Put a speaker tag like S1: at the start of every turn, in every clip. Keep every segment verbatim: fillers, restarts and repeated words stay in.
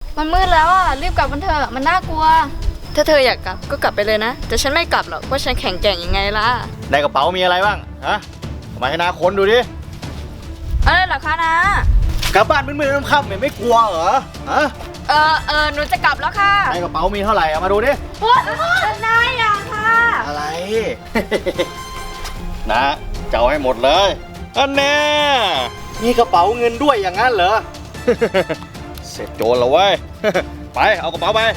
S1: มันมืดแล้วอ่ะรีบกลับกันเถอะมันน่ากลัวถ้าเธออยากกลับก็กลับไปเลยนะแต่ฉันไม่กลับหรอกเพราะฉันแข็งแกร่งยังไงล่ะ
S2: ในกระเป๋ามีอะไรบ้างฮะมาให้นาค้นดูดิ
S1: อะไรเหรอคะนะ
S2: กลับบ้านมืดๆค่ำๆไม่กลัวเหรอฮะ
S1: เออเออหนูจะกลับแล้วค่ะ
S2: ในกระเป๋ามีเท่าไหร่เอามาดูดิ
S1: นายอย่าค่ะ
S2: อะไร นะจะเอาให้หมดเลยอันแน่มีกระเป๋าเงินด้วยอย่างนั้นเหรอ เสร็จโจรแล้วเว้ย ไปเอากระเป๋าไป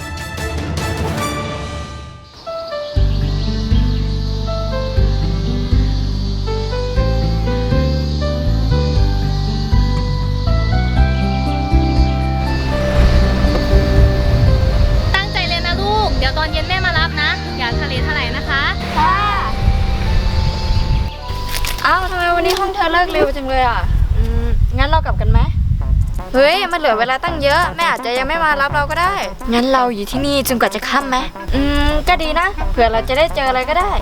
S3: ตั้งใจเรียนนะลูกเดี๋ยวตอนเย็นแม่มารับนะอย่าทะเลทลายนะคะ
S1: ค่ะอ้าวทำไมวันนี้ห้องเธอเลิกเร็วจังเลยอ่ะอืมงั้นเรากลับกันไหมเฮ้ยมันเหลือเวลาตั้งเยอะแม่อาจจะยังไม่มารับเราก็ได้งั้นเราอยู่ที่นี่จนกว่าจะค่ำไหมอืมก็ดีนะเผื่อเราจะได้เจออะไรก็ได้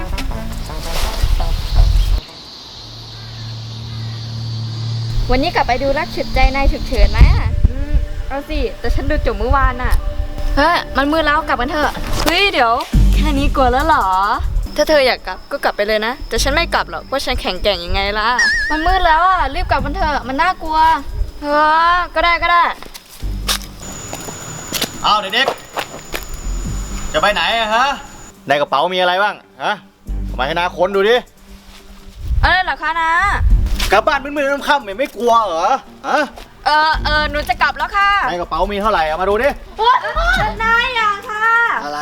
S1: วันนี้กลับไปดูรักฉุดใจนายฉุกเฉินไหมอืมเอาสิแต่ฉันดูจบเมื่อวานน่ะเฮ้ยมันมืดแล้วกลับกันเถอะเฮ้ยเดี๋ยวแค่นี้กลัวแล้วเหรอถ้าเธออยากกลับก็กลับไปเลยนะแต่ฉันไม่กลับหรอกเพราะฉันแข็งแกร่งยังไงล่ะมันมืดแล้วอ่ะรีบกลับกันเถอะมันน่ากลัวเออก็ได้ก็ได้
S2: เอาเด็กๆจะไปไหนอะฮะในกระเป๋ามีอะไรบ้างฮะมาให้นาค้นดูดิ
S1: อะไรเหรอคะนะ
S2: กลับบ้านมืดๆค่ำๆไม่กลัวเหรอฮะ
S1: เออเออหนูจะกลับแล้วค่ะ
S2: ในกระเป๋ามีเท่าไหร่เอามาดูดิ
S1: นายอย่าค่ะ
S2: อะไร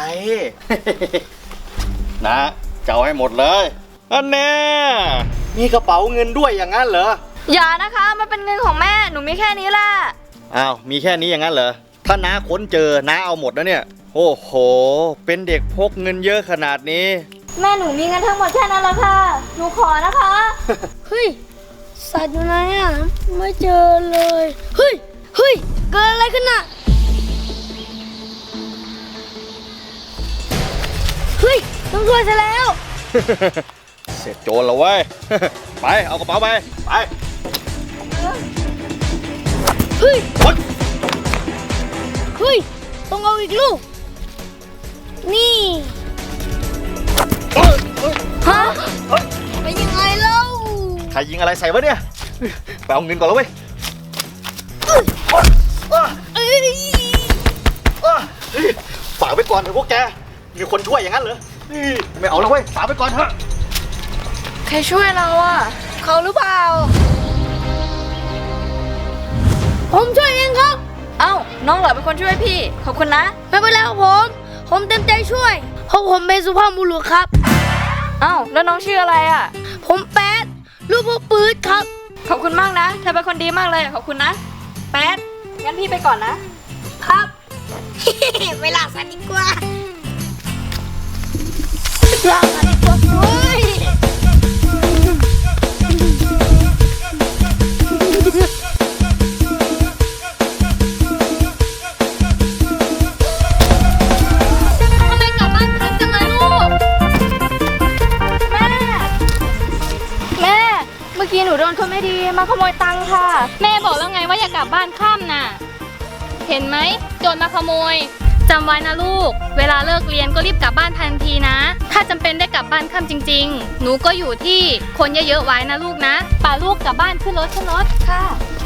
S2: นะจะเอาให้หมดเลยอันแน่มีกระเป๋าเงินด้วยอย่างนั้นเหรอ
S1: อย่านะคะมันเป็นเงินของแม่หนูมีแค่นี้แหละ
S2: อ้าวมีแค่นี้อย่างนั้นเหรอถ้าน้าค้นเจอน้าเอาหมดแล้วเนี่ยโอ้โหเป็นเด็กพกเงินเยอะขนาดนี้
S1: แม่หนูมีเงินทั้งหมดแค่นั้นแล้วค่ะหนูขอนะคะ
S4: เฮ้ยสัตว์อยู่ไหนอ่ะไม่เจอเลยเฮ้ยเฮ้ยเกิดอะไรขึ้นน่ะเฮ้ยต้องช่วยซะแล้ว
S2: เสร็จโจรแล้วเว้ย ไปเอากระเป๋าไปไป
S4: เฮ้ยเฮ้ยต้องเอาอีกลูกนี่ฮะไปยังไงเล่า
S2: ใครยิงอะไรใส่วะเนี่ยไปเอาเงินก่อนแล้วเว้ยฝากไว้ก่อนเถอะพวกแกมีคนช่วยอย่างนั้นเหรอไม่เอาแล้วเว้ยฝากไว้ก่อนเถอะ
S1: ใครช่วยเราอ่ะเขาหรือเปล่า
S4: ผมช่วยเองครับ
S1: เอ้าน้องเหรอเป็นคนช่วยพี่ขอบคุณนะ
S4: ไม่เป็นไรครับผมผมเต็มใจช่วยเพราะผมเป็นสุภาพบุรุษครับ
S1: เอ้าแล้วน้องชื่ออะไรอ่ะ
S4: ผมแป๊ดลูกพ่อปื๊ดครับ
S1: ขอบคุณมากนะเธอเป็นคนดีมากเลยขอบคุณนะแป๊ดงั้นพี่ไปก่อนนะครับ
S4: เวลาสันดีกว่าลาสันดีกว่าเฮ้ย
S1: เมื่อกี้หนูโดนคนไม่ดีมาขโมยตังค่ะ
S3: แม่บอกแล้วไงว่าอย่ากลับบ้านค่ำน่ะเห็นไหมโจรมาขโมยจำไว้นะลูกเวลาเลิกเรียนก็รีบกลับบ้านทันทีนะถ้าจำเป็นได้กลับบ้านค่ำจริงๆหนูก็อยู่ที่คนเยอะๆไว้นะลูกนะป่าลูกกลับบ้านขึ้นรถขึ้นรถ
S1: ค่ะ